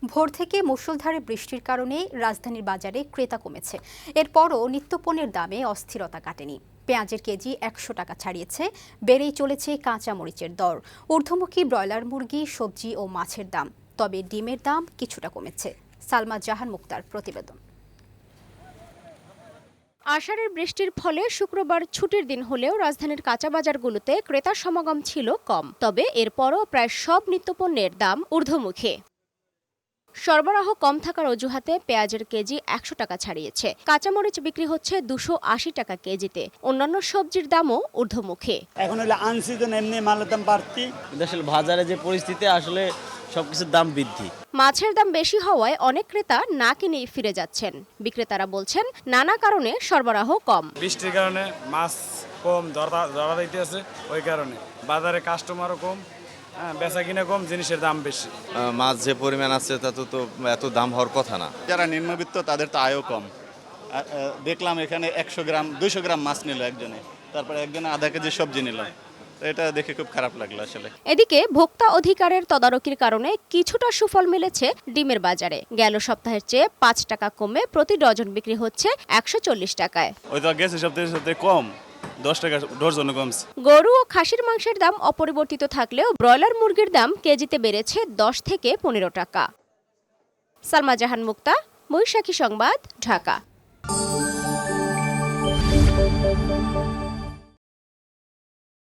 ভোর থেকে মুষলধারে বৃষ্টির কারণে রাজধানীর বাজারে ক্রেতা কমেছে। এরপরও নিত্যপণ্যের দামে অস্থিরতা কাটেনি। পেঁয়াজের কেজি ১০০ টাকা ছাড়িয়েছে। বেড়েই চলেছে কাঁচা মরিচের দর। ঊর্ধ্বমুখী ব্রয়লার মুরগি, সবজি ও মাছের দাম। তবে ডিমের দাম কিছুটা কমেছে। সালমা জাহান মুক্তার প্রতিবেদন। আষাঢ়ের বৃষ্টির ফলে শুক্রবার ছুটির দিন হলেও রাজধানীর কাঁচা বাজারগুলোতে ক্রেতার সমাগম ছিল কম। তবে এরপরও প্রায় সব নিত্যপণ্যের দাম ঊর্ধ্বমুখী। সরবরাহ কম থাকার অজুহাতে পেঁয়াজের কেজি ১০০ টাকা ছাড়িয়েছে। কাঁচামরিচ বিক্রি হচ্ছে ২৮০ টাকা কেজিতে। অন্যান্য সবজির দামও ঊর্ধ্বমুখী। এখন হলে আনসিজন এমনি মালের দাম বাড়তি। আসলে বাজারে যে পরিস্থিতি, আসলে সবকিছুর দাম বৃদ্ধি। মাছের দাম বেশি হওয়ায় অনেক ক্রেতা না কিনেই ফিরে যাচ্ছেন। বিক্রেতারা বলছেন নানা কারণে সরবরাহ কম। বৃষ্টির কারণে মাছ কম ধরা দিতেছে, ওই কারণে বাজারে কাস্টমারও কম, বেচা কিনা কম, জিনিসের দাম বেশি। মাছ যে পরিমাণ আছে তা তো এত দাম হওয়ার কথা না। যারা নিম্নবিত্ত তাদের তো আয়ও কম। দেখলাম এখানে 100 গ্রাম 200 গ্রাম মাছ নিল একজনে, তারপরে একজনে আধা কেজি সবজি নিল। এটা দেখে খুব খারাপ লাগলো আসলে। এদিকে ভোক্তা অধিকারের তদারকির কারণে কিছুটা সুফল মিলেছে ডিমের বাজারে। গেল সপ্তাহের চেয়ে ৫ টাকা কমে প্রতি ডজন বিক্রি হচ্ছে ১৪০ টাকায়। ওই তো গেছে সপ্তাহে কম, 10 টাকা ডজন কমছে। গরু ও খাসির মাংসের দাম অপরিবর্তিত থাকলেও ব্রয়লার মুরগির দাম কেজিতে বেড়েছে ১০ থেকে ১৫ টাকা। সালমা জাহান মুক্তা, বৈশাখী সংবাদ, ঢাকা।